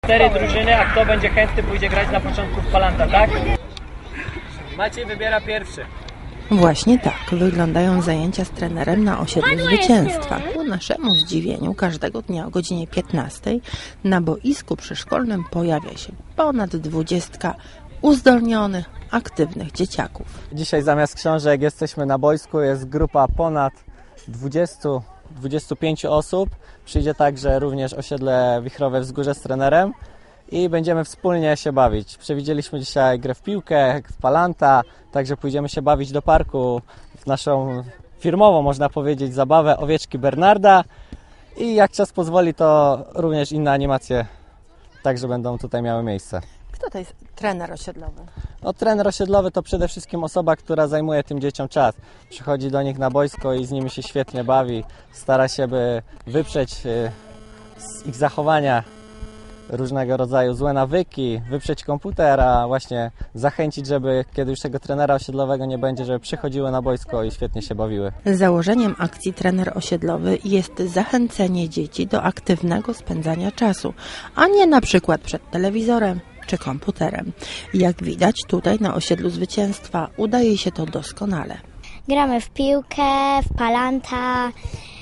4 drużyny, a kto będzie chętny, pójdzie grać na początku w Palanta, tak? Maciej wybiera pierwszy. Właśnie tak wyglądają zajęcia z trenerem na osiedlu Zwycięstwa. Ku naszemu zdziwieniu każdego dnia o godzinie 15 na boisku przyszkolnym pojawia się ponad 20 uzdolnionych, aktywnych dzieciaków. Dzisiaj zamiast książek jesteśmy na boisku, jest grupa ponad 20-25 osób. Przyjdzie także również osiedle Wichrowe Wzgórze z trenerem i będziemy wspólnie się bawić. Przewidzieliśmy dzisiaj grę w piłkę, w Palanta, także pójdziemy się bawić do parku w naszą firmową, można powiedzieć, zabawę Owieczki Bernarda i jak czas pozwoli, to również inne animacje także będą tutaj miały miejsce. Kto to jest trener osiedlowy? No, trener osiedlowy to przede wszystkim osoba, która zajmuje tym dzieciom czas. Przychodzi do nich na boisko i z nimi się świetnie bawi. Stara się, by wyprzeć z ich zachowania różnego rodzaju złe nawyki, wyprzeć komputer, a właśnie zachęcić, żeby kiedy już tego trenera osiedlowego nie będzie, żeby przychodziły na boisko i świetnie się bawiły. Założeniem akcji Trener Osiedlowy jest zachęcenie dzieci do aktywnego spędzania czasu, a nie na przykład przed telewizorem czy komputerem. Jak widać, tutaj na osiedlu Zwycięstwa udaje się to doskonale. Gramy w piłkę, w Palanta,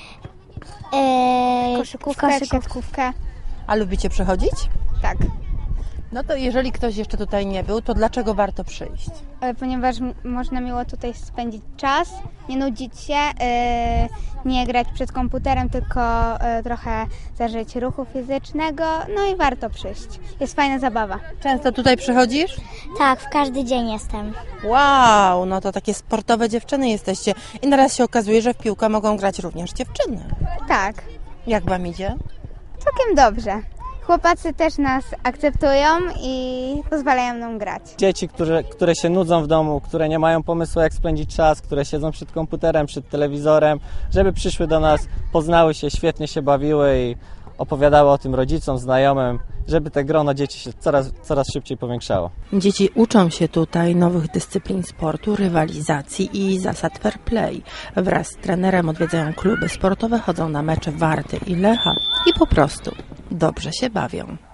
koszykówkę. A lubicie przychodzić? Tak, No to jeżeli ktoś jeszcze tutaj nie był, to dlaczego warto przyjść? ponieważ można miło tutaj spędzić czas, nie nudzić się, nie grać przed komputerem, tylko trochę zażyć ruchu fizycznego, no i warto przyjść. Jest fajna zabawa. Często tutaj przychodzisz? Tak, w każdy dzień jestem. Wow, no to takie sportowe dziewczyny jesteście. I naraz się okazuje, że w piłkę mogą grać również dziewczyny. Tak, Jak wam idzie? całkiem dobrze. Chłopacy też nas akceptują i pozwalają nam grać. Dzieci, które się nudzą w domu, które nie mają pomysłu, jak spędzić czas, które siedzą przed komputerem, przed telewizorem, żeby przyszły do nas, poznały się, świetnie się bawiły i opowiadały o tym rodzicom, znajomym, żeby te grono dzieci się coraz szybciej powiększało. Dzieci uczą się tutaj nowych dyscyplin sportu, rywalizacji i zasad fair play. Wraz z trenerem odwiedzają kluby sportowe, chodzą na mecze Warty i Lecha i po prostu dobrze się bawią.